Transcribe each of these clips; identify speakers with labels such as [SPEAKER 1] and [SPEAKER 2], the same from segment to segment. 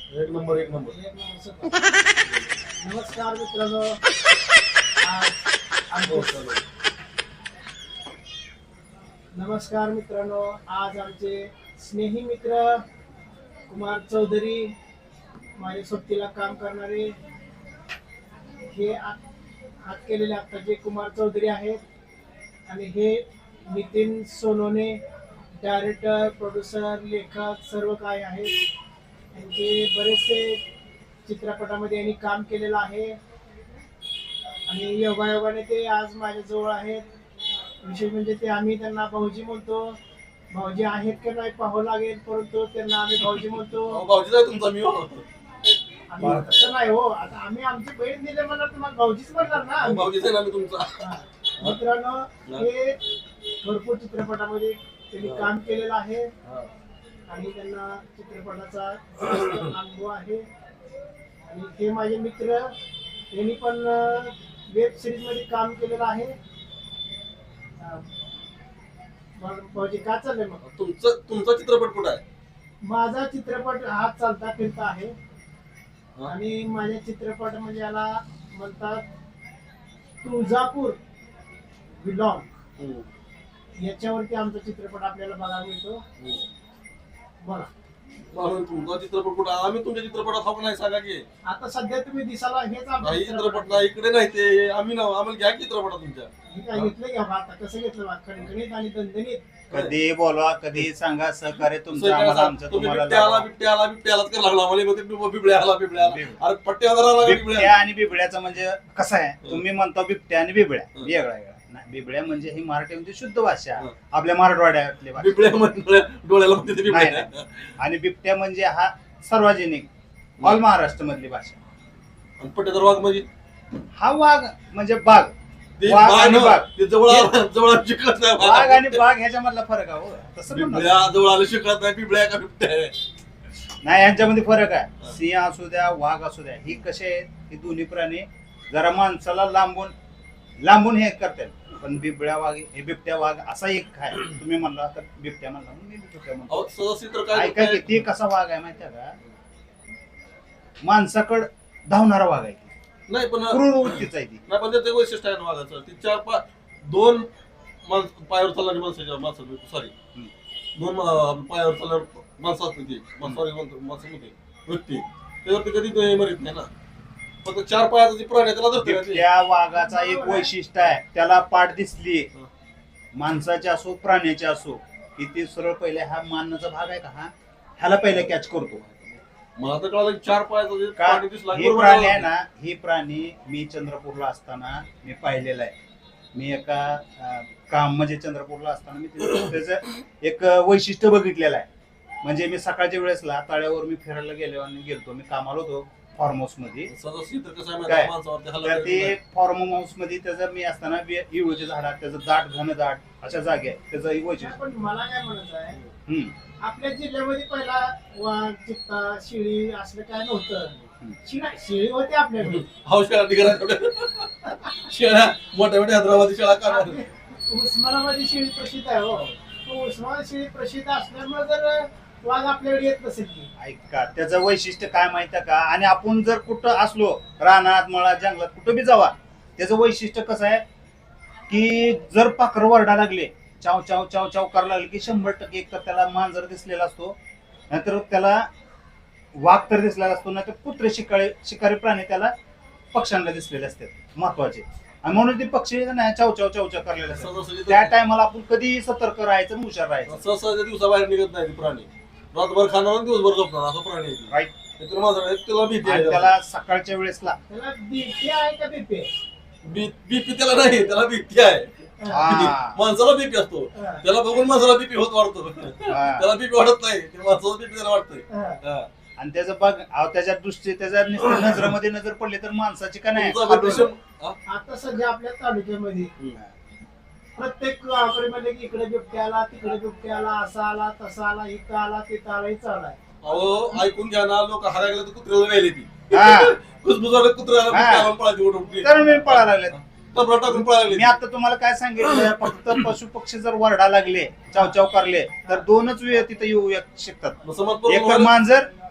[SPEAKER 1] एक नंबर एक नंबर.
[SPEAKER 2] नमस्कार मित्रांनो. नमस्कार मित्रांनो. आज आमचे स्नेही मित्र कुमार चौधरी, माझ्या सोबतीला काम करणारे हे हात केलेले आत्ताचे कुमार चौधरी आहेत. आणि हे नितीन सोनोने, डायरेक्टर, प्रोड्युसर, लेखक सर्व काय आहेत. त्यांचे बरेचसे चित्रपटामध्ये यांनी काम केलेलं आहे. आणि योगायोगाने ते आज माझ्याजवळ आहेत. विशेष म्हणजे ते आम्ही त्यांना भाऊजी म्हणतो. भाऊजी आहेत की नाही पाहावं लागेल, परंतु त्यांना आम्ही भाऊजी म्हणतो.
[SPEAKER 1] भाऊजीचा तुमचा मी
[SPEAKER 2] आम्ही तसं नाही हो. आता आम्ही आमची बहीण दिले म्हणा तुम्हाला भाऊजीच म्हणणार ना.
[SPEAKER 1] भाऊजीचा ना मी तुमचा.
[SPEAKER 2] मित्रांनो, हे भरपूर चित्रपटामध्ये त्यांनी काम केलेलं आहे आणि त्यांना चित्रपटाचा अनुभव आहे. आणि हे माझे मित्र, यांनी पण वेब सिरीज मध्ये काम केलेलं आहे. भाऊजी काय चाललंय मग?
[SPEAKER 1] तुमचा चित्रपट कुठं आहे?
[SPEAKER 2] माझा चित्रपट हा चालता फिरता आहे. आणि माझ्या चित्रपट म्हणजे याला म्हणतात तुळजापूर बिलॉंग. याच्यावरती आमचा चित्रपट आपल्याला बघायला मिळतो. बोला
[SPEAKER 1] तुमचा चित्रपट कुठं? आम्ही तुमच्या चित्रपटात हा नाही सांगा की.
[SPEAKER 2] आता सध्या तुम्ही दिसाला हेच आमचा
[SPEAKER 1] काही चित्रपट नाही, इकडे नाही ते. आम्ही ना आम्हाला घ्या चित्रपटात तुमच्या.
[SPEAKER 2] हे काय घेतलं घ्या आता कसं घेतलं खणखणीत आणि दणदणीत.
[SPEAKER 3] कधी बोलवा, कधी सांगा, सहकार्य तुमचं आम्हाला, आमचं तुम्हाला.
[SPEAKER 1] बिबट्यालाच करायला लागला मला. बिबड्या अरे पट्ट्यावर
[SPEAKER 3] बिबट्या आणि बिबड्याचं म्हणजे कसं आहे, तुम्ही म्हणता बिबट्या आणि बिबड्या वेगळा वेगळा नाही. बिबड्या म्हणजे ही मराठीमध्ये शुद्ध भाषा, आपल्या मराठवाड्यातली भाषा.
[SPEAKER 1] बिबड्या डोळ्याला
[SPEAKER 3] नाही, नाही. आणि बिबट्या म्हणजे हा सार्वजनिक ऑल महाराष्ट्र मधली भाषा.
[SPEAKER 1] पट्ट्याचा वाघ म्हणजे
[SPEAKER 3] हा वाघ म्हणजे बाघ.
[SPEAKER 1] ते
[SPEAKER 3] वाघ आणि बाघ.
[SPEAKER 1] ते जवळ शिकत नाही.
[SPEAKER 3] वाघ आणि बाघ ह्याच्यामधला फरक आहे हो. तसं म्हणतात.
[SPEAKER 1] बिबड्या जवळ आलं शिकत नाही. बिबड्या का बिबट्या आहे?
[SPEAKER 3] नाही, यांच्यामध्ये फरक आहे. सिंह असू द्या, वाघ असू द्या, ही कसे आहेत, ही दोन्ही प्राणी जरा माणसाला लांबून हे करतात. पण बिबड्या वाघ, हे बिबट्या वाघ असा एक आहे. तुम्ही म्हणला तर बिबट्या म्हणला, मी बिबट्या म्हणतो. ऐका की, ते कसा वाघ आहे माहिती आहे का? माणसाकड धावणारा वाघ आहे.
[SPEAKER 1] नाही पण
[SPEAKER 3] क्रूर वृत्तीचा आहे ती.
[SPEAKER 1] नाही पण ते वैशिष्ट्य आहे ना वाघाचं. ती 4-5 2 पायावर चालणारी माणसं सॉरी 2 पायावर चालणार माणसं असते ती. सॉरी माणसं नव्हते व्यक्ती. त्यावरती कधी ते मरीत नाही ना. फक्त 4 पायाचा प्राणी त्याला धरते.
[SPEAKER 3] त्या वाघाचा एक वैशिष्ट्य आहे, त्याला पाठ दिसली, माणसाचे असो प्राण्याचे असो, की ते सरळ पहिले हा मानण्याचा भाग आहे का, हा ह्याला पहिले कॅच करतो.
[SPEAKER 1] मला तर कळालं 4 पायाचा प्राणी दिसला.
[SPEAKER 3] हे प्राणी आहे ना, हे प्राणी मी चंद्रपूरला असताना मी पाहिलेला आहे. मी एका काम म्हणजे चंद्रपूरला असताना मी त्याचं एक वैशिष्ट्य बघितलेलं आहे. म्हणजे मी सकाळच्या वेळेसला तळ्यावर मी फिरायला गेलतो. मी कामाला होतो फार्म हाऊस मध्ये. तर ते फार्म हाऊस मध्ये त्याचं मी असताना इळूचे झाडात त्याचं दाट घनदाट अशा जागे आहे त्याचं वैशिष्ट्य.
[SPEAKER 2] पण मला काय म्हणायचं आहे, आपल्या जिल्ह्यामध्ये पहिला वाघ, चित्ता, शिळी असलं काय नव्हतं. शिळी होती आपल्याकडे.
[SPEAKER 1] शेळ्या मोठ्या मोठ्या हैदराबादी शेळ्या काढणार.
[SPEAKER 2] उस्मानाबादी शेळी प्रसिद्ध आहे हो. उस्मानाबादी शेळी प्रसिद्ध असल्यामुळे जर वाघ आपल्याकडे येत नसेल की.
[SPEAKER 3] ऐका, त्याचं वैशिष्ट्य काय माहितीये का? आणि आपण जर कुठं असलो रानात, मळात, जंगलात कुठं बी जावा, त्याचं वैशिष्ट्य कसं आहे की जर पाखर वरडा लागले, चाव चाव चाव चाव करायला लागले की 100% एक तर त्याला मांजर दिसलेला असतो, नाहीतर त्याला वाघ तर दिसलेला असतो, नाहीतर कुत्रे शिकारी प्राणी त्याला पक्ष्यांना दिसलेले असतात महत्वाचे. आणि म्हणून ते पक्षी नाही चाव चाव चाव चाव करलेले असतात. त्या टायमाला आपण कधी सतर्क राहायचं, हुशार राहायचं.
[SPEAKER 1] सहसा दिवसाबाहेर निघत नाही प्राणी. रातभर खाणार दिवसभर झोपणार असं प्राणी आहे.
[SPEAKER 3] राईट.
[SPEAKER 1] त्याला भीती आहे.
[SPEAKER 3] त्याला सकाळच्या वेळेसला
[SPEAKER 2] त्याला बीपी आहे का बीपी?
[SPEAKER 1] बीपी त्याला नाही, त्याला भीती आहे. माणसाला बीपी असतो, त्याला बघून माणसाला बीपी होत वाढतो. त्याला बीपी वाढत नाही, माणसाला बीपी त्याला वाटतंय.
[SPEAKER 3] आणि त्याचं बघ त्याच्या दृष्टी त्याच्या नजरेमध्ये नजर पडली तर माणसाची का नाही.
[SPEAKER 2] आता सध्या आपल्या तालुक्यामध्ये प्रत्येक गावाकडे म्हणजे इकडे बिबट्या आला, तिकडे बिबट्या आला, असा आला, तसा आला, इथं आला, तिथं आला, इथं आलाय.
[SPEAKER 1] अहो ऐकून घ्या ना, लोक हरायला तर कुत्र्याला व्हायला ती कुसबुजाला कुत्र्याला पळायची
[SPEAKER 3] तर मी पळायला लागले.
[SPEAKER 1] टाकून पळायला.
[SPEAKER 3] मी आता तुम्हाला काय सांगितलं, फक्त पशु पक्षी जर वरडा लागले, चाव चाव करले तर 2च वेळ तिथे येऊ शकतात. एक तर मांजर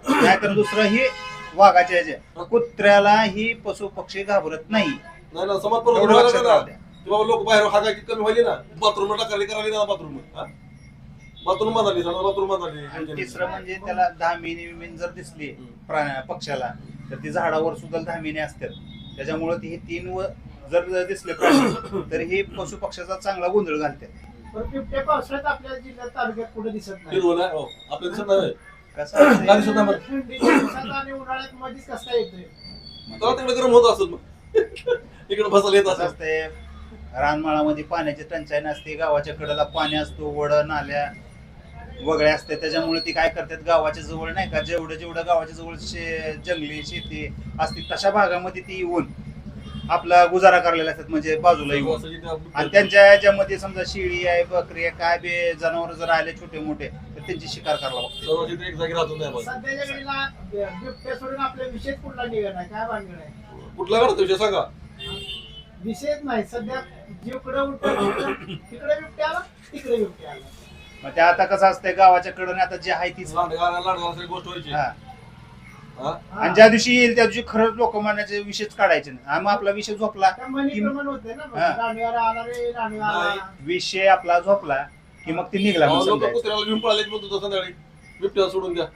[SPEAKER 3] नाहीतर दुसरं ही वाघाच्या ह्याच्या कुत्र्याला ही पशु पक्षी घाबरत नाही.
[SPEAKER 1] नाही ना समाज पण
[SPEAKER 3] एवढं लक्षात राहू द्या.
[SPEAKER 1] बाबा लोक बाहेर हागायची कमी व्हायली ना, बाथरूम टाकायला करायला ना, बाथरूम बांधाली बाथरूम
[SPEAKER 3] आणि
[SPEAKER 1] बांधाली.
[SPEAKER 3] तिसरं म्हणजे त्याला धामिनी विमीन जर दिसली पक्षाला तर ती झाडावर सुद्धा धामिनी असतात. त्याच्यामुळे ती हे 3 जर दिसले प्राणी तर हे पशु पक्षाचा चांगला गोंधळ घालतात.
[SPEAKER 2] पण बिबट्या पावसाळ्यात आपल्या जिल्ह्यात तालुक्यात कुठे दिसत नाही.
[SPEAKER 1] हिरवं नाही, हो. आपल्या दिसत नाही.
[SPEAKER 3] कसं असतंय,
[SPEAKER 1] काय दिसत नाही बरं?
[SPEAKER 2] थंडीच्या दिवसात आणि उन्हाळ्यात मध्येच कसा येतोय.
[SPEAKER 1] तेव्हा तिकडे गरम होत असेल मग इकडे बसायला येत
[SPEAKER 3] कसं
[SPEAKER 1] असेल.
[SPEAKER 3] असतंय, रानमाळामध्ये पाण्याची टंचाई नसते, गावाच्या कडेला पाणी असतो, वड नाल्या वगैरे असते. त्याच्यामुळे ती काय करतात, गावाच्या जवळ नाही का जेवढं गावाच्या जवळ जंगली शेती असते तशा भागामध्ये ती येऊन आपला गुजारा करायला असतात, म्हणजे बाजूला येऊन. आणि त्यांच्या याच्यामध्ये समजा शेळी आहे, बकरी आहे, काय बे जनावर जर आले छोटे मोठे तर त्यांची शिकार करायला बघते.
[SPEAKER 1] सर्व तिथे एक जागी राहतो नाही बघा.
[SPEAKER 2] सध्याच्या घडीला बिबट्या सोडून आपल्या विषयच कुठला निघत नाही. काय भानगड आहे?
[SPEAKER 1] कुठला काढतो विषय सांगा.
[SPEAKER 2] विषयच नाही. सध्या जिकडे उठतो तिकडे बिबट्या आला, तिकडे बिबट्या आला.
[SPEAKER 3] मग ते आता कसं असतंय, गावाच्या कडे आता जे आहे तीच.
[SPEAKER 1] लांडगा गोष्ट व्हायची.
[SPEAKER 3] हा.
[SPEAKER 1] हा?
[SPEAKER 3] आणि ज्या दिवशी येईल त्या दिवशी खरंच लोक मानाचे विषयच काढायचे नाही. आणि मग आपला विषय झोपला
[SPEAKER 2] त्या मनी प्रमाण होते ना,
[SPEAKER 3] हा.
[SPEAKER 2] राणीवाला आला रे, राणीवाला आला.
[SPEAKER 3] विषय आपला झोपला की मग ते निघला म्हणून
[SPEAKER 1] लोक
[SPEAKER 3] समजायचं.
[SPEAKER 1] कुत्र्याला घेऊन पळाले म्हणतो संध्याकाळी बिबट्याला सोडून द्या.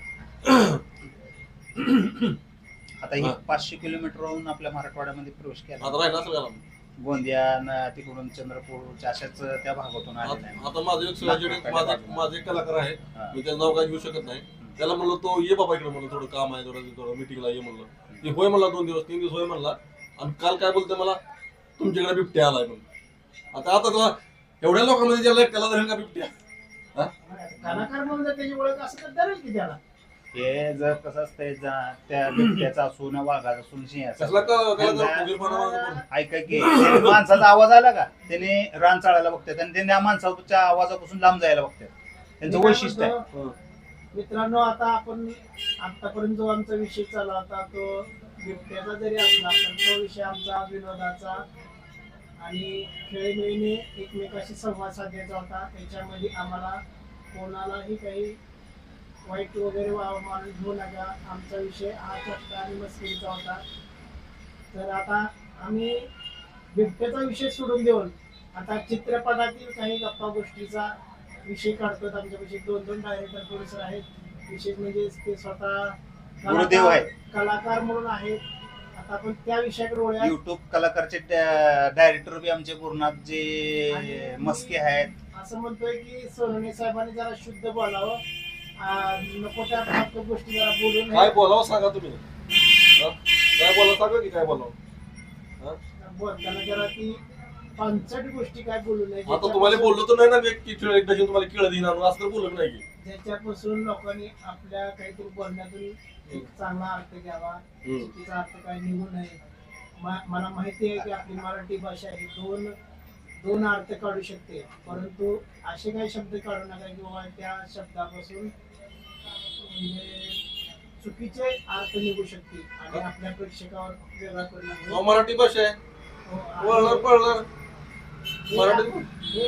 [SPEAKER 3] आता ही
[SPEAKER 1] हा.
[SPEAKER 3] 500 किलोमीटरहून आपल्या मराठवाड्यामध्ये प्रवेश केला.
[SPEAKER 1] आता राहिला असेल का ना?
[SPEAKER 3] गोंदिया तिकडून चंद्रपूर अशाच त्या भागातून आलेला आहे.
[SPEAKER 1] आता माझं एक सहकारी माझे एक कलाकार आहे,
[SPEAKER 3] हा.
[SPEAKER 1] मी त्याचं नाव काय घेऊ शकत नाही. त्याला म्हणलं तो ये बाबा इकडे, म्हणलं थोडं काम आहे, थोडं मिटिंगला ये म्हणलं. ती होय म्हणला, 2 दिवस 3 दिवस होय म्हणला. आणि काल काय बोलते मला, तुमच्याकडे बिबट्या आलाय म्हणून. आता तुला एवढ्या लोकांमध्ये ज्याला एकट्याला धरेल का बिबट्या?
[SPEAKER 2] कलाकार म्हणून जर त्याची ओळख असं तर धरेल की त्याला.
[SPEAKER 3] हे जर कसं असतंय, त्या बिबट्याचा असून वाघाचा असून सिंहाचा
[SPEAKER 1] कसला
[SPEAKER 3] त्यांना- ऐका की त्याने माणसाचा आवाज आला का त्याने रान चाळायला बघतात आणि त्यांनी त्या माणसाच्या आवाजापासून लांब जायला बघतात. त्यांचं वैशिष्ट्य आहे.
[SPEAKER 2] मित्रांनो, आता आपण आतापर्यंत जो आमचा विषय चालला होता तो बिबट्याचा जरी असला पण तो विषय आमचा विनोदाचा आणि खेळीमेळीने एकमेकाशी संवाद साधायचा होता. त्याच्यामध्ये आम्हाला कोणालाही काही वाईट वगैरे मानून घेऊ नका. आमचा विषय हा चर्चा आणि मस्करीचा होता. तर आता आम्ही बिबट्याचा विषय सोडून देऊन आता चित्रपटातील काही गप्पा गोष्टीचा विषय काढतो. आमच्यापाशी 2 डायरेक्टर प्रोड्युसर आहेत. विशेष म्हणजे ते स्वतः
[SPEAKER 3] गुरुदेव आहेत.
[SPEAKER 2] कलाकार म्हणून आहेत. आता आपण त्या विषयाकडे वळूया.
[SPEAKER 3] युट्यूब कलाकारचे डायरेक्टर बी आमचे गुरुनाथ जे मस्के आहेत.
[SPEAKER 2] असं म्हणतोय की सोनवणे साहेबांनी जरा शुद्ध बोलावं. नको त्या फालतू गोष्टी जरा बोलू
[SPEAKER 1] काय
[SPEAKER 2] नये.
[SPEAKER 1] बोलावं सांगा तुम्ही. काय बोलावं सांगा की काय बोलावं.
[SPEAKER 2] बोलताना जरा ती पंचट गोष्टी काय बोलू नये.
[SPEAKER 1] आता तुम्हाला बोललो तर नाही ना, की एकदा तुम्हाला केळ देणार असं तर बोलत नाही की.
[SPEAKER 2] ज्याच्यापासून लोकांनी आपल्या काहीतरी बोलण्यातून एक चांगला अर्थ घ्यावा. चुकीचा अर्थ काय निघू नये. मला माहिती आहे की आपली मराठी भाषा ही दोन अर्थ काढू शकते, परंतु असे काही शब्द काढू नका की बाबा त्या शब्दापासून म्हणजे चुकीचे अर्थ निघू शकतील आणि आपल्या प्रेक्षकावर वेगळा परिणाम होईल.
[SPEAKER 1] मराठी भाषा आहे, वळणार पळणार मराठी.
[SPEAKER 2] हे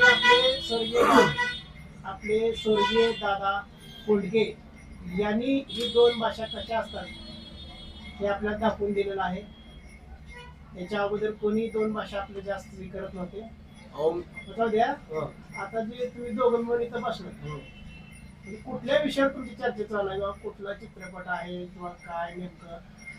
[SPEAKER 2] आपले स्वर्गीय दादा कोंडके यांनी ही 2 भाषा कशा असतात हे आपल्याला दाखवून दिलेलं आहे. याच्या अगोदर कोणी 2 भाषा आपले जास्त करत नव्हते. जाऊ द्या. आता जे तुम्ही दोघं मिळून इथं बसलो, कुठल्या विषयावर तुमची चर्चा चालू आहे, किंवा कुठला चित्रपट आहे किंवा काय नेमकं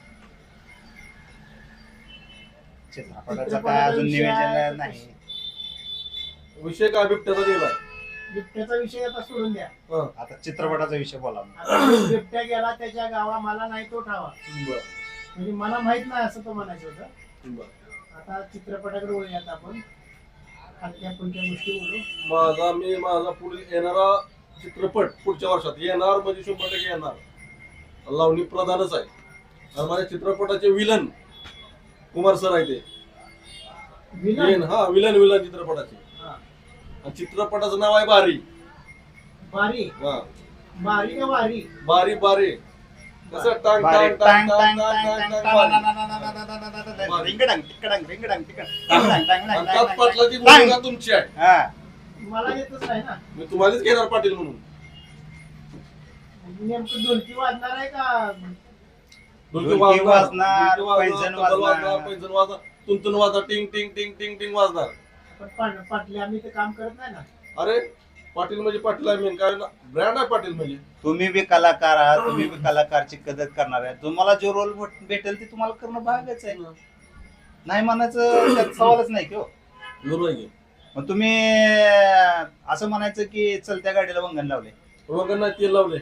[SPEAKER 3] चित्रपटाचं काय अजून नियोजन नाही.
[SPEAKER 1] विषय काय बिबट्याचा दिला.
[SPEAKER 2] बिबट्याचा विषय आता सोडून द्या.
[SPEAKER 3] आता चित्रपटाचा विषय बोला.
[SPEAKER 2] आता बिबट्या गेला त्याच्या गावा, मला नाही तो ठावा, म्हणजे मला माहित नाही असं तो म्हणायचं होतं. आता चित्रपटाकडे वळूयात आपण. हलक्या फुलक्या गोष्टी बोलू.
[SPEAKER 1] माझा पुढील येणारा चित्रपट पुढच्या वर्षात येणार म्हणजे 100% येणार. लावणी प्रधानच आहे. आणि माझ्या चित्रपटाचे विलन कुमार सर आहे. ते
[SPEAKER 2] विलन.
[SPEAKER 1] हा विलन चित्रपटाचे. आणि चित्रपटाचं नाव आहे बारी.
[SPEAKER 2] बारी.
[SPEAKER 1] हा
[SPEAKER 2] बारी का वारी?
[SPEAKER 1] बारी बारी. कसं टांग
[SPEAKER 3] बारी,
[SPEAKER 1] टांग
[SPEAKER 3] टांग,
[SPEAKER 1] टांग
[SPEAKER 3] टांग,
[SPEAKER 1] टांग
[SPEAKER 3] टांग,
[SPEAKER 1] टांग
[SPEAKER 3] टांग,
[SPEAKER 1] टांग बारी.
[SPEAKER 3] रिंगडांग, टिकडंग, रिंगडांग, टिकडंग, टांग, टांग,
[SPEAKER 1] आणि
[SPEAKER 3] टांग,
[SPEAKER 1] त्यात
[SPEAKER 3] टांग,
[SPEAKER 1] पाटलाची
[SPEAKER 3] टांग.
[SPEAKER 1] भूमिका तुमची आहे.
[SPEAKER 3] हा.
[SPEAKER 2] मला येतच नाही ना.
[SPEAKER 1] मी तुम्हालाच घेणार पाटील म्हणून.
[SPEAKER 2] नेमकं ढोलकी वाजणार आहे का?
[SPEAKER 1] ढोलकी
[SPEAKER 3] वाजणार,
[SPEAKER 1] ढोलकी
[SPEAKER 3] पैंजण
[SPEAKER 1] तबला
[SPEAKER 3] वाजणार.
[SPEAKER 1] पैंजण वाजणार, तुंतुन वाजणार, टिंग टिंग टिंग टिंग टिंग वाजणार.
[SPEAKER 2] पण पाटले आम्ही ते काम करत नाही ना.
[SPEAKER 1] अरे पाटील म्हणजे पाटील आहे, मेन काय ब्रँड आहे पाटील म्हणजे.
[SPEAKER 3] तुम्ही बी कलाकार आहात, तुम्ही बी कलाकारची कदर करणार आहे. तुम्हाला जो रोल भेटेल ते तुम्हाला करणं भागच आहे. नाही म्हणायचं त्यात सवालच नाही की हो.
[SPEAKER 1] बरोबर आहे की.
[SPEAKER 3] मग तुम्ही असं म्हणायचं की चलत्या गाडीला वंगण लावले
[SPEAKER 1] वगैरे नाही तेल लावले.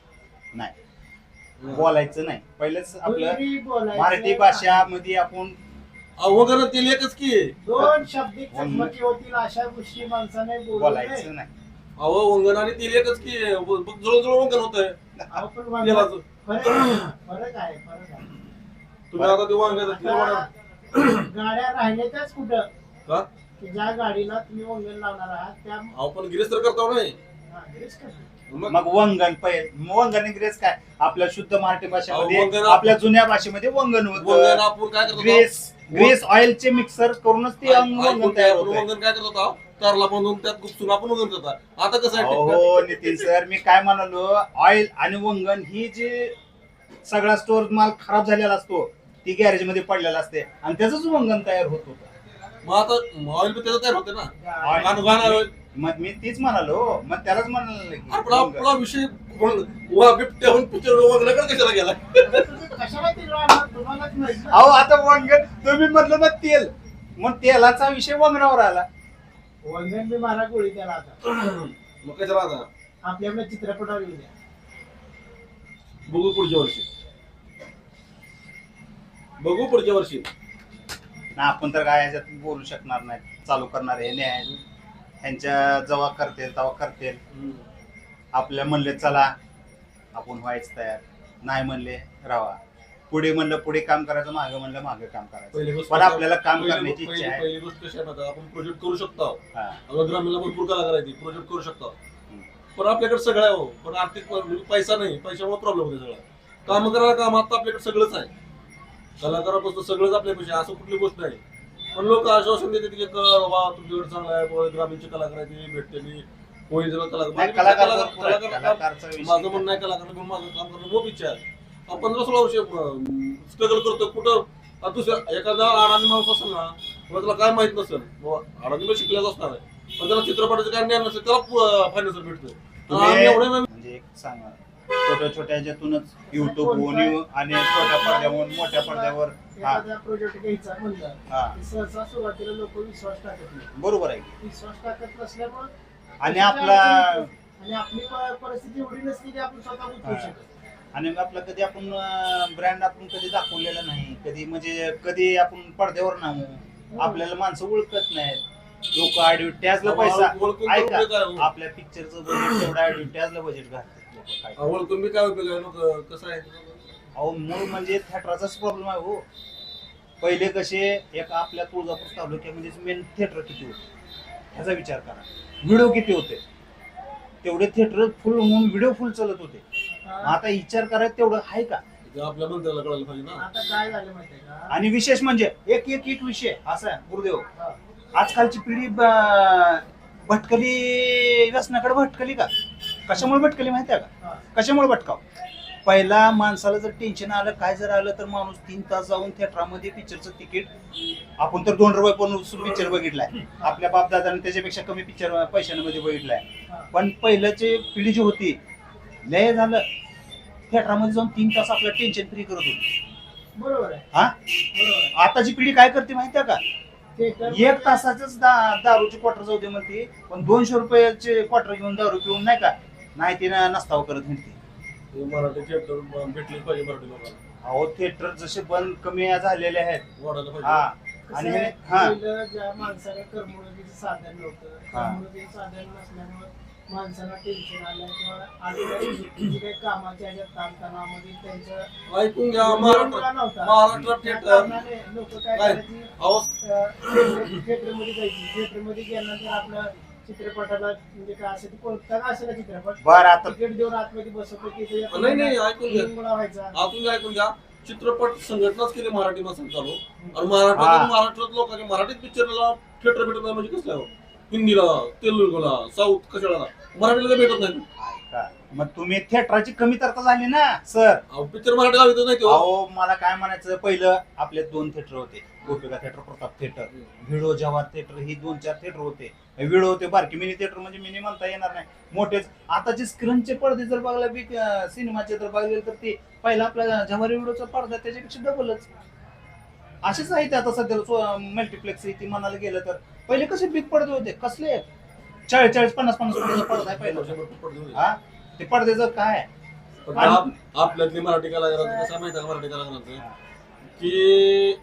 [SPEAKER 3] नाही, बोलायचं नाही. पहिलेच आपलं
[SPEAKER 2] दुहेरी बोलायचं.
[SPEAKER 3] मराठी भाषामध्ये आपण
[SPEAKER 1] वगैरे तेल एकच की.
[SPEAKER 2] दोन शाब्दिक चकमकी होतील अशा गोष्टी माणसाने बोलू नये.
[SPEAKER 3] बोलायचं नाही.
[SPEAKER 1] अहो वंगण आणि तेल एकच की. जवळ वंगण होतंय
[SPEAKER 2] अहो, पण वांग-
[SPEAKER 1] तेलाचं.
[SPEAKER 2] फरक आहे, फरक आहे.
[SPEAKER 1] तुम्ही आता ते वांग्याचं तेल वाढवा.
[SPEAKER 2] आता गाड्या राहिल्या त्याच कुठं
[SPEAKER 1] का?
[SPEAKER 2] की ज्या गाडीला तुम्ही वंगण लावणार आहात त्या
[SPEAKER 1] अहो पण गिरेस तर करता नाही.
[SPEAKER 2] हा, हेच करतात.
[SPEAKER 3] मग वंगण वंगण ग्रेस काय आपल्या शुद्ध मराठी भाषेमध्ये
[SPEAKER 1] वंगण-
[SPEAKER 3] आपल्या जुन्या भाषेमध्ये वंगण
[SPEAKER 1] वंगण
[SPEAKER 3] होतं.
[SPEAKER 1] आपण काय करतो?
[SPEAKER 3] ग्रेस ऑइलचे मिक्सर करूनच ते वंगण तयार होतं.
[SPEAKER 1] वंगण काय करत होता? कारला बांधून त्यात गुपसून आपण वंगण करतात. आता कसं आहे?
[SPEAKER 3] हो नितीन सर, मी काय म्हणालो, ऑइल आणि वंगण ही जी सगळा स्टोर माल खराब झालेला असतो ती गॅरेज मध्ये पडलेला असते आणि त्याच वंगण तयार होत होतं.
[SPEAKER 1] मग आता ऑइल पण त्याचं तयार होते ना.
[SPEAKER 3] Oil-
[SPEAKER 1] गाणं oil.
[SPEAKER 3] मग मी तीच म्हणालो, मग त्यालाच म्हणाल
[SPEAKER 1] आपला आपला विषय बिबट्याहून पिक्चर वगैरे कशाला गेला?
[SPEAKER 2] तुम्ही कशाला ते लावणार? तुम्हालाच माहित ना.
[SPEAKER 3] अहो आता वंगण तुम्ही म्हटलं ना तेल, मग तेलाचा विषय वंगणावर आला.
[SPEAKER 2] वंगण बी मारा गोळी त्याला आता
[SPEAKER 1] मग कशाला आता?
[SPEAKER 2] आपल्या चित्रपटावर येऊ द्या.
[SPEAKER 1] बघू पुढच्या वर्षी. बघू पुढच्या वर्षी.
[SPEAKER 3] ना आपण तर काय ह्याच्यात बोलू शकणार नाही. चालू करणार हे नाही, ह्यांच्या जेव्हा करतील तेव्हा करतील. आपल्या म्हणले चला आपण व्हायच तयार, नाही म्हणले राहा. पुढे म्हणलं पुढे काम करायचं, मागे म्हणलं मागे काम करायचं.
[SPEAKER 1] पहिली गोष्ट
[SPEAKER 3] पण आपल्याला काम
[SPEAKER 1] पहिली-
[SPEAKER 3] करण्याची इच्छा
[SPEAKER 1] पहिली-
[SPEAKER 3] आहे.
[SPEAKER 1] पहिली गोष्ट कशी आहे माहिती आहे? आपण प्रोजेक्ट करू शकतो.
[SPEAKER 3] हा.
[SPEAKER 1] आपल्या ग्रामीणला भरपूर कला करायची, प्रोजेक्ट करू शकतो. पण आपल्याकडे सगळं आहे हो, पण आर्थिक पैसा नाही, पैशामुळे प्रॉब्लेम होते सगळं. काम करायला काम आता आपल्याकडे सगळंच आहे. कलाकारापासून सगळंच आपल्यापाशी, असं कुठली गोष्ट नाही. पण लोक आश्वासन देतात की बाबा तुमच्याकडे चांगला आहे, बाबा ग्रामीणची कलाकार आहे ती भेटते मी होळी जरा
[SPEAKER 3] नाही,
[SPEAKER 1] कलाकार
[SPEAKER 3] कलाकार भरपूर आहेत. कलाकारचा विषय
[SPEAKER 1] माझं म्हणणं नाही कलाकार घेऊन माझं काम करणं खूप इच्छा आहे. आपण 15-16 वर्ष स्ट्रगल करतो कुठं. आता दुसऱ्या एखादा अडाणी माणूस असेल ना, किंवा त्याला काय माहित नसेल, अडाणी पण शिकलेला असणार आहे, पण त्याला चित्रपटाचं काय ज्ञान नसेल, त्याला फायनान्सर भेटतं. आम्ही एवढे
[SPEAKER 3] म्हणजे एक सांगा, छोट्या छोट्या ह्याच्यातूनच युट्यूबहून आणि छोट्या पडद्यावर मोठ्या पडद्यावर हा
[SPEAKER 2] एखादा प्रोजेक्ट घ्यायचा म्हणलं
[SPEAKER 3] हा
[SPEAKER 2] की सहसा सुरुवातीला लोक विश्वास टाकत नाही.
[SPEAKER 3] बरोबर आहे.
[SPEAKER 2] विश्वास टाकत नसल्यामुळे
[SPEAKER 3] आणि आपला
[SPEAKER 2] आणि आपली परिस्थिती एवढी नसली की आपण स्वतः उचलू शकतो.
[SPEAKER 3] आणि आपला कधी आपण ब्रँड आपण कधी दाखवलेला नाही, कधी म्हणजे कधी आपण पडद्यावर नाहू, आपल्याला माणसं ओळखत नाहीत. लोक ऍडव्हर्टाईजला पैसा
[SPEAKER 1] ओळखून
[SPEAKER 3] ऐका,
[SPEAKER 1] उपयोग आहे हो.
[SPEAKER 3] आपल्या पिक्चरचं बजेट तेवढं ऍडव्हर्टाईजला बजेट घालतात लोक. काय
[SPEAKER 1] आवड तुम्ही काय उपयोग आहे लोक कसं आहे.
[SPEAKER 3] अहो मूळ म्हणजे थिएटरचाच प्रॉब्लेम आहे हो. पहिले कसे एक आपल्या तुळजापूर तालुक्यामध्ये मेन थिएटर किती होते ह्याचा विचार करा. व्हिडिओ किती होते, तेवढे थिएटर फुल होऊन व्हिडिओ फुल चालत होते. आता विचार करायचं तेवढं आहे का?
[SPEAKER 1] ते आपल्या मंत्र्याला कळायला पाहिजे ना.
[SPEAKER 2] आता काय झालं माहितीये का?
[SPEAKER 3] आणि विशेष म्हणजे एक एक एक विषय असा आहे गुरुदेव,
[SPEAKER 2] हा.
[SPEAKER 3] आजकालची पिढी भटकली, व्यसनाकडे भटकली का? कशामुळे भटकली माहिती आहे का?
[SPEAKER 2] हा.
[SPEAKER 3] कशामुळे भटकाव? पहिला माणसाला जर टेन्शन आलं, काय जर आलं तर माणूस 3 तास जाऊन थिएटरमध्ये पिक्चरचं तिकीट, आपण तर 2 रुपये पण पिक्चर बघितलाय. आपल्या बापदादाने त्याच्यापेक्षा कमी पिक्चर पैशांमध्ये बघितलाय.
[SPEAKER 2] हा.
[SPEAKER 3] पण पहिल्याची पिढी जी होती, लय झालं थिएटरमध्ये जाऊन 3 तास आपलं टेन्शन फ्री करत होती.
[SPEAKER 2] बरोबर आहे,
[SPEAKER 3] हा,
[SPEAKER 2] बरोबर आहे.
[SPEAKER 3] आताची पिढी काय करते माहिती आहे का?
[SPEAKER 2] थिएटर
[SPEAKER 3] 1 तासाच दारूची क्वार्टर जाऊ दे म्हणते, पण 200 रुपयाचे क्वार्टर घेऊन दारू पिऊन नाही का, नाही ते नसताव करत म्हणते.
[SPEAKER 1] हे मराठी थिएटर भेटलेच पाहिजे मराठी लोकांना.
[SPEAKER 3] अहो थिएटर जसे बंद कमी झालेले आहेत.
[SPEAKER 1] वाढायला
[SPEAKER 3] हा
[SPEAKER 1] पाहिजे.
[SPEAKER 3] आणि
[SPEAKER 2] कसं आहे,
[SPEAKER 3] हा
[SPEAKER 2] पहिलं ज्या माणसाला करमणुकीचं साधन नव्हतं,
[SPEAKER 3] हा.
[SPEAKER 2] करमणुकीचं साधन नसल्यामुळे माणसाला टेन्शन आलं किंवा आजूबाजूची काही कामाच्या ह्याच्यात ताणतणावामध्ये त्यांचं
[SPEAKER 1] ऐकून घ्या.
[SPEAKER 2] विरंगुळा नव्हता.
[SPEAKER 1] महाराष्ट्रात
[SPEAKER 2] त्या
[SPEAKER 1] थिएटर
[SPEAKER 2] कारणाने लोकं काय
[SPEAKER 1] काय?
[SPEAKER 2] करायची,
[SPEAKER 1] अहो
[SPEAKER 2] थिएटरमध्ये जायची. थिएटरमध्ये गेल्यानंतर आपलं चित्रपटाला म्हणजे काय असेल ते कोणता का असेल चित्रपट,
[SPEAKER 3] बरं आता
[SPEAKER 2] तिकीट देऊन आतमध्ये बसवतो की ते
[SPEAKER 1] नाही, ऐकून घ्या.
[SPEAKER 2] विरंगुळा व्हायचा.
[SPEAKER 1] आपण ऐकून घ्या. चित्रपट संघटनाच केली मराठी माणसाला चालू, आणि
[SPEAKER 3] हा.
[SPEAKER 1] महाराष्ट्रात लोकांनी मराठीत पिक्चरला थिएटर भेटत नाही म्हणजे कसं आहे हो? हिंदीला, तेलुगुला, साऊथ कशाला, मराठीला तर भेटत नाही.
[SPEAKER 3] ऐका, मग तुम्ही थिएटरची कमीतरता झाली ना सर.
[SPEAKER 1] पिक्चर मराठी लावतो नाही तो.
[SPEAKER 3] अहो मला काय म्हणायचं, पहिलं आपले 2 थिएटर होते, Gopika theatre, Pratap theatre, video Jawahar theatre, ही 2-4 थिएटर होते. व्हिडो होते बारकी, मिनी थिएटर म्हणजे मिनी म्हणता येणार नाही, मोठेच. आताचे स्क्रीनचे पडदे जर बघला बिग सिनेमाचे जर बघले तर ते पहिला आपला जवाहर व्हिडोचा पडदा त्याच्यापेक्षा डबलच. असेच आहे ते आता सध्या मल्टिप्लेक्स ती म्हणायला गेलं तर. पहिले कसे बिग पडदे होते, कसले 40-50 पडद्याचा पडदा आहे पहिला. हा ते पडद्याचं काय
[SPEAKER 1] पण आपल्यातली मराठी कलाकारांचं कसं माहिती आहे, मराठी कलाकारांचं की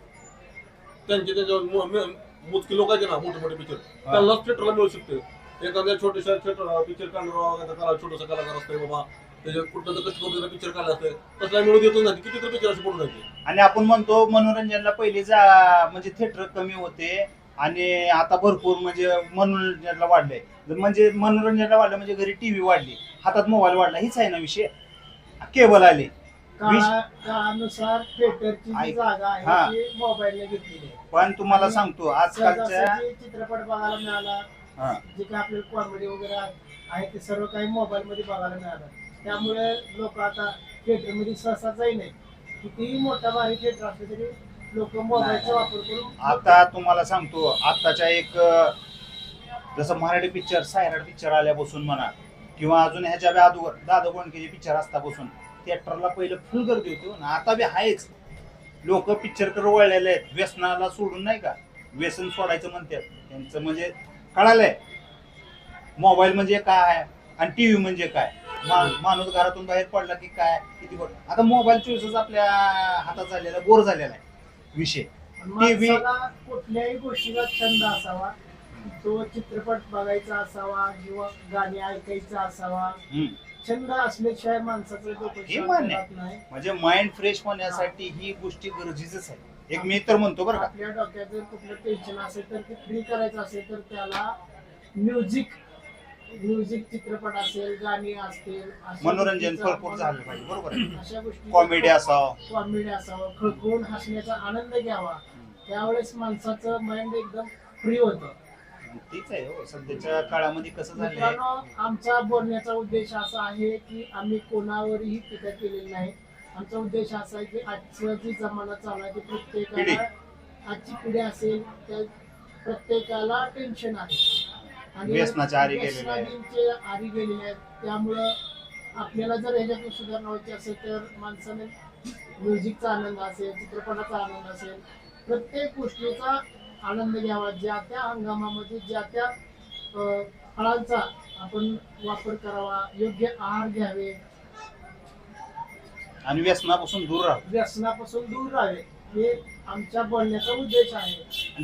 [SPEAKER 1] त्यांचे मोजकी लोक आहेत ना, मोठे पिक्चर त्यांनाच थिएटरला मिळू शकते. एखाद्या छोट्याशा थिएटर पिक्चर काढणार छोटासा कलाकार असतोय बाबा, त्याच्या कुठलं तर कष्ट करून पिक्चर काढला असतोय, तसला मिळू देतो ना. किती तर पिक्चर असे पडून जायचे.
[SPEAKER 3] आणि आपण म्हणतो मनोरंजनला पहिले म्हणजे थिएटर कमी होते आणि आता भरपूर म्हणजे मनोरंजनाला वाढलंय. म्हणजे मनोरंजनाला वाढलं म्हणजे घरी टीव्ही वाढली, हातात मोबाईल वाढला, हीच आहे ना विषय. केबल आले,
[SPEAKER 2] काळानुसार थिएटरची जी जागा आहे ती मोबाईलने घेतलेली आहे.
[SPEAKER 3] पण तुम्हाला सांगतो आजकालच्या
[SPEAKER 2] चित्रपट बघायला मिळाला, जे काही आपल्याला कॉमेडी वगैरे आहे ते सर्व काही मोबाईल मध्ये बघायला मिळालं. त्यामुळे लोक आता थिएटर मध्ये सहसा जाई नाही. कितीही मोठा भारी थिएटर असले तरी लोक मोबाईलचा वापर करून.
[SPEAKER 3] आता तुम्हाला सांगतो, आताच्या एक जसं मराठी पिक्चर सायराट पिक्चर आल्यापासून म्हणा किंवा अजून ह्याच्या अगोदर दादा कोंडकेचे पिक्चर असतापासून थिएटरला पहिलं फुल गर्दी होती ना. आता बी आहेच, लोक पिक्चरकडे वळलेले आहेत. व्यसनाला सोडून नाही का, व्यसन सोडायचं म्हणतात त्यांचं. म्हणजे कळालंय मोबाईल म्हणजे काय आहे आणि टीव्ही म्हणजे काय. माणूस घरातून बाहेर पडला की काय किती बघ. आता मोबाईल चोवीसच आपल्या हातात झालेला, बोर झालेला आहे विषय. टीव्ही
[SPEAKER 2] कुठल्याही गोष्टीला छंद असावा, तो चित्रपट बघायचा असावा किंवा गाणी ऐकायचा असावा. छंद असल्याशिवाय माणसाचं डोकं नाही.
[SPEAKER 3] म्हणजे माइंड फ्रेश होण्यासाठी ही गोष्टी गरजेचंच आहे. एक मी तर म्हणतो बरं का,
[SPEAKER 2] आपल्या डोक्यात जर कुठलं टेन्शन असेल तर ते फ्री करायचं असेल तर त्याला म्युझिक चित्रपट असेल, गाणी असतील,
[SPEAKER 3] मनोरंजन भरपूर झालं पाहिजे. बरोबर आहे.
[SPEAKER 2] अशा गोष्टी
[SPEAKER 3] कॉमेडी
[SPEAKER 2] असावं, खळखळून हसण्याचा आनंद घ्यावा. त्यावेळेस माणसाचं माइंड एकदम फ्री होतं.
[SPEAKER 3] तीच आहे हो सध्याच्या काळामध्ये कसं झालंय.
[SPEAKER 2] मित्रांनो, आमचा बोलण्याचा उद्देश असा आहे की आम्ही कोणावरही टीका केलेली नाही. आमचा उद्देश असा आहे की आजचा जी जमाना चालू आहे ते प्रत्येकाला, आजची पिढी असेल त्या प्रत्येकाला टेन्शन आहे आणि
[SPEAKER 3] व्यसनाच्या आरी
[SPEAKER 2] गेलेले आहेत. त्यामुळं आपल्याला जर ह्याच्यातून सुधारणा व्हायची असेल तर माणसाने म्युझिकचा आनंद असेल, चित्रपटाचा आनंद असेल, प्रत्येक गोष्टीचा आनंद घ्यावा. ज्या त्या हंगामामध्ये ज्या त्या फळांचा आपण वापर करावा, योग्य आहार घ्यावे
[SPEAKER 3] आणि व्यसनापासून दूर राहावे.
[SPEAKER 2] हे आमच्या बोलण्याचा उद्देश आहे.